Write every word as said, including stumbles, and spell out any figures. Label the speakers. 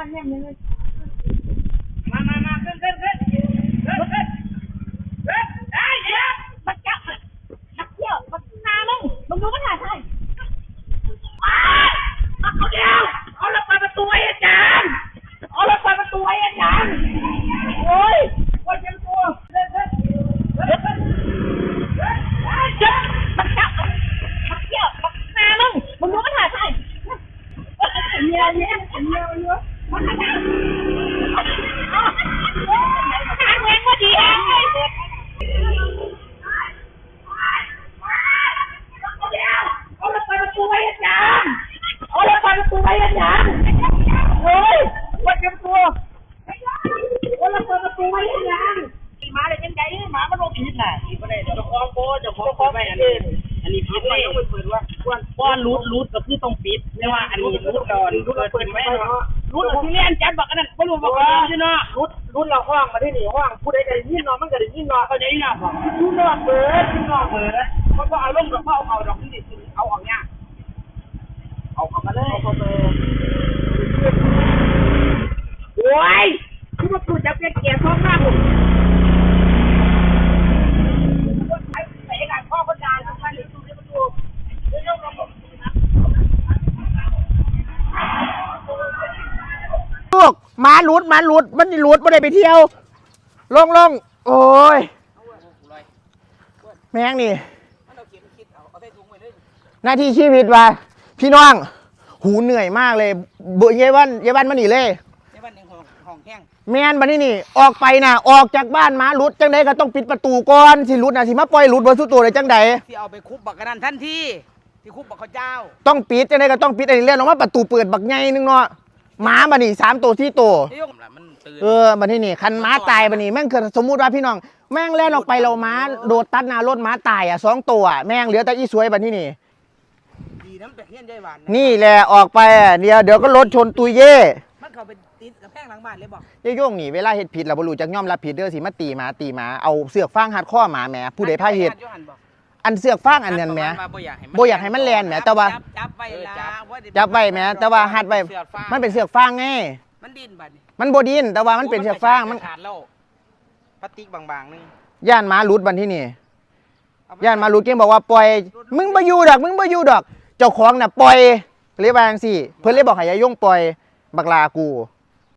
Speaker 1: วันแห้งเลย
Speaker 2: มามามาขึ้นขึ้นขึ้นขึ้นขึ้นขึ้นเฮ้ยเดี๋ยวมันจับนักเที่ยวมันนามึงมึงดูมันถ่ายใช่เอาเดียวเอาละเปิดประตูไอ้อาจารย์เอาละเปิดประตูไอ้อาจารย์โอ้ยวันยังตัวเล่นเล่นเล่นเล่นจับมันจับนักเที่ยวมันนามึงมึงดูมันถ่ายใช่เมียเมียเมียเยอะมันถ่ายทางเองก็ดีเองเอาละเปิดประตูไว้อาจารย์เอาละเปิดประตูไว้อาจารย์โอ้ยวัดเต็มตัวเอาละเปิดประตูไว้อาจารย์หมาเลยยังไงหมามันโดนผิดน่ะผิดไม่ได้เจ้าของโบ้เจ้าของโบ้ไม่อันนี้อันนี้ผิดเลยต้องไปเปิดว่าก้อนรูดรูดก็คือต้องปิดไม่ว่าอันนี้รูดก่อนรูดเปิดไม่เนาะรูดที่เรียนจัดบอกกันนั่นไม่รู้บอกว่าใช่เนาะรูดรูดเราห้องมาที่นี่ห้องผู้ใดจะยินนอนมันก็ได้ยินนอนเขาจะยินนอนบอกยินนอนเปิดยินนอนเปิดมันก็เอาลงกับเขาเอาดอกที่ดิเอาออกเนี่ยเอาเข้ามาเลยเอาเข้ามาโอ้ยคือว่ากูจะเป็นเกียร์ท้องหน้าผมไอ้การพ่อคนงานท่านหรือดูในประตูเรื่องระบบ
Speaker 1: ลูกมาหลุดมาหลุดมันหลุดไม่ได้ไปเที่ยวลงลงโอ้ยแม่งนี่หน้าที่ชีวิตว่ะพี่น้องหูเหนื่อยมากเลยเบื่อเยวันเยวันมาหนีเลย
Speaker 2: เยวันหนึ่งห้องแห้ง
Speaker 1: แมนบันนี้นี่ออกไปนะออกจากบ้านมาหลุดจังใดก็ต้องปิดประตูก่อนสิหลุดนะสิมาปล่อยหลุดบนสุดตัวเลยจังใด
Speaker 2: ที่เอาไปคุบบักกันนั่นทันทีที่คุบบักข้าเจ้า
Speaker 1: ต้องปิดจังใดก็ต้องปิดอันนี้เรื่องออกมาประตูเปิดบักใหญ่นึงเนาะหมาบันนี้สามตัวที่ตัวเออบันนี้นี่คันหมาตายบันนี้แม่งเกิดสมมุติว่าพี่น้องแม่งแล่นออกไปเราหมาโดดตัดหน้ารถหมาตายอ่ะสองตัวแม่งเหลือแต่อีสวยบันนี้นี่นี่แหละออกไปเดี๋ยวเดี๋ยวก็รถชนตุยเย่
Speaker 2: มันเขาเป็นติดกับแพงหลังบ้านเลยบอก
Speaker 1: เย่โย่งนี่เวลาเฮ็ดผิดเราบ่รู้จักย่อมรับผิดเด้อสิมาตีหมาตีหมาเอาเสือกฟางหัดข้อหมาแหมผู้ใดพาเฮ็ดอันเสือกฟางอันนั้นแหมบ่อยากให้มันแล่นแหมแต่ว่า
Speaker 2: จับไว้ละ
Speaker 1: จับไว้แหมแต่ว่าหัดไว้มันเป็นเสือกฟางไง
Speaker 2: มันดิ้นบัดนี้
Speaker 1: มันบ่ดิ้นแต่ว่ามันเป็นเสือกฟางมัน
Speaker 2: ขาดแล้วพลาสติกบางๆนึง
Speaker 1: ย่านหมาหลุดบัดที่นี่ย่านหมาหลุดเก่งบอกว่าปล่อยมึงบ่อยู่ดอกมึงบ่อยู่ดอกเจ้าของน่ะปล่อยเรียกว่าจังซี่เพิ่นเลยบอกให้ยายยงปล่อยบักลากู